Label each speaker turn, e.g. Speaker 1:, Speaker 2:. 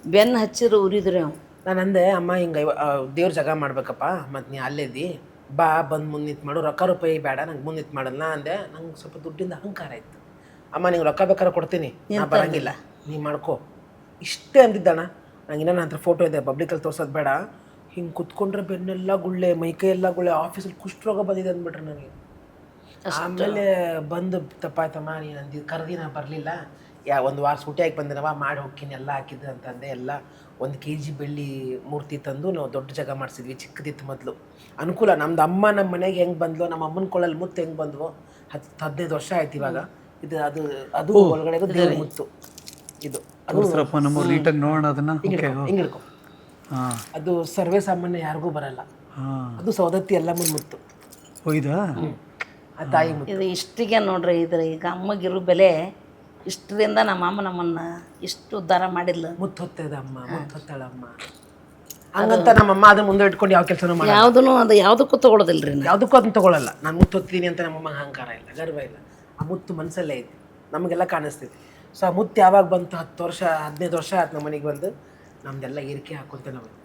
Speaker 1: ಬೆನ್ನು ಹಚ್ಚಿರು ಉರಿದ್ರಿ ಅವ್.
Speaker 2: ನಾನು ಅಂದೆ ಅಮ್ಮ ಹಿಂಗೆ ದೇವ್ರ ಜಾಗ ಮಾಡ್ಬೇಕಪ್ಪ ಮತ್ತು ನೀ ಅಲ್ಲೇದಿ ಬಾ ಬಂದು ಮುಂದೆ ನಿಂತು ಮಾಡು, ರೊಕ್ಕ ರೂಪಾಯಿ ಬೇಡ ನಂಗೆ ಮುಂದೆ ನಿಂತು ಮಾಡಲ್ಲ ಅಂದೆ. ನಂಗೆ ಸ್ವಲ್ಪ ದುಡ್ಡಿಂದ ಅಹಂಕಾರ ಇತ್ತು. ಅಮ್ಮ ನಿಂಗೆ ರೊಕ್ಕ ಬೇಕಾದ್ರೆ ಕೊಡ್ತೀನಿ, ನಾ ಬರೋಂಗಿಲ್ಲ, ನೀ ಮಾಡ್ಕೊ ಇಷ್ಟೇ ಅಂದಿದ್ದಣ್ಣ. ನಂಗೆ ಇನ್ನೂ ನನ್ನ ಹತ್ರ ಫೋಟೋ ಇದೆ, ಪಬ್ಲಿಕಲ್ಲಿ ತೋರ್ಸೋದು ಬೇಡ. ಹಿಂಗೆ ಕುತ್ಕೊಂಡ್ರೆ ಬೆನ್ನೆಲ್ಲ ಗುಳ್ಳೆ, ಮೈಕೈ ಎಲ್ಲ ಗುಳ್ಳೆ, ಆಫೀಸಲ್ಲಿ ಕುಷ್ಠರೋಗ ಬಂದಿದೆ ಅಂದ್ಬಿಟ್ರೆ ನನಗೆ. ಆಮೇಲೆ ಬಂದು ತಪ್ಪಾಯ್ತಮ್ಮ ನೀನು ಅಂದಿದ್ದು ಕರೆದಿ ನಾ ಬರಲಿಲ್ಲ, ಒಂದು ವಾರ ಸೂಟಿಯಾಗಿ ಬಂದಿನವ ಮಾಡಿ ಹೋಗ್ತೀನಿ ಎಲ್ಲ ಹಾಕಿದ್ದು ಅಂತಂದೆ. ಎಲ್ಲ 1 kg ಬೆಳ್ಳಿ ಮೂರ್ತಿ ತಂದು ನಾವು ದೊಡ್ಡ ಜಾಗ ಮಾಡಿಸಿದ್ವಿ, ಚಿಕ್ಕದಿತ್ತು ಮೊದಲು. ಅನುಕೂಲ, ನಮ್ದು ಅಮ್ಮ ನಮ್ಮ ಮನೆಗೆ ಹೆಂಗೆ ಬಂದ್ಲು, ನಮ್ಮ ಅಮ್ಮನ ಕೊಳ್ಳಲ್ಲಿ ಮುತ್ತು ಹೆಂಗೆ ಬಂದ್ವು, 10-15 ವರ್ಷ ಆಯ್ತು ಇವಾಗ. ಇದು ಅದು ಅದು ಒಳಗಡೆಗೂ ದೇವ್ರ ಮುತ್ತು. ಇದು ಅದು
Speaker 3: ನಮ್ಮ ನೀಟಾಗಿ ನೋಡೋಣ ಅದನ್ನು.
Speaker 2: ಹಿಂಗೆ ಹಿಡ್ಕೊ. ಅದು ಸರ್ವೇ ಸಾಮಾನ್ಯ ಯಾರಿಗೂ ಬರಲ್ಲ. ಅದು ಸೌದತ್ತಿ ಎಲ್ಲಮ್ಮನ ಮುತ್ತು.
Speaker 3: ಹೋಯ್ದಾ
Speaker 2: ಆ ತಾಯಿ ಮುತ್ತು.
Speaker 1: ಇದು ಇಷ್ಟಿಗೆ ನೋಡ್ರಿ, ಇದ್ರ ಈಗ ಅಮ್ಮಗಿರೋ ಬೆಲೆ ಇಷ್ಟರಿಂದ ನಮ್ಮ ಅಮ್ಮ ನಮ್ಮನ್ನ ಇಷ್ಟು ಉದ್ಧಾರ ಮಾಡಿಲ್ಲ.
Speaker 2: ಮುತ್ತು ಹೊತ್ತದ ಅಮ್ಮ, ಮುತ್ತು ಹೊತ್ತಾಳಮ್ಮ ಹಂಗಂತ ನಮ್ಮಮ್ಮ ಅದನ್ನ ಮುಂದೆ ಇಟ್ಕೊಂಡು ಯಾವ ಕೆಲಸನೂ ಮಾಡಿ
Speaker 1: ಯಾವುದೂ ಅದು ಯಾವುದಕ್ಕೂ ತೊಗೊಳೋದಿಲ್ರಿ.
Speaker 2: ಯಾವುದಕ್ಕೂ ಅದನ್ನ ತೊಗೊಳಲ್ಲ. ನಾನು ಮುತ್ತು ಹೊತ್ತೀನಿ ಅಂತ ನಮ್ಮಮ್ಮ ಅಹಂಕಾರ ಇಲ್ಲ, ಗರ್ವ ಇಲ್ಲ. ಆ ಮುತ್ತು ಮನಸ್ಸಲ್ಲೇ ಐತಿ, ನಮಗೆಲ್ಲ ಕಾಣಿಸ್ತೈತಿ. ಸೊ ಆ ಮುತ್ತು ಯಾವಾಗ ಬಂತು, 10 ವರ್ಷ 15 ವರ್ಷ ಆಯ್ತು ನಮ್ಮ ಮನೆಗೆ ಬಂದು, ನಮ್ದೆಲ್ಲ ಏರಿಕೆ ಹಾಕೊಂತ ನಾವು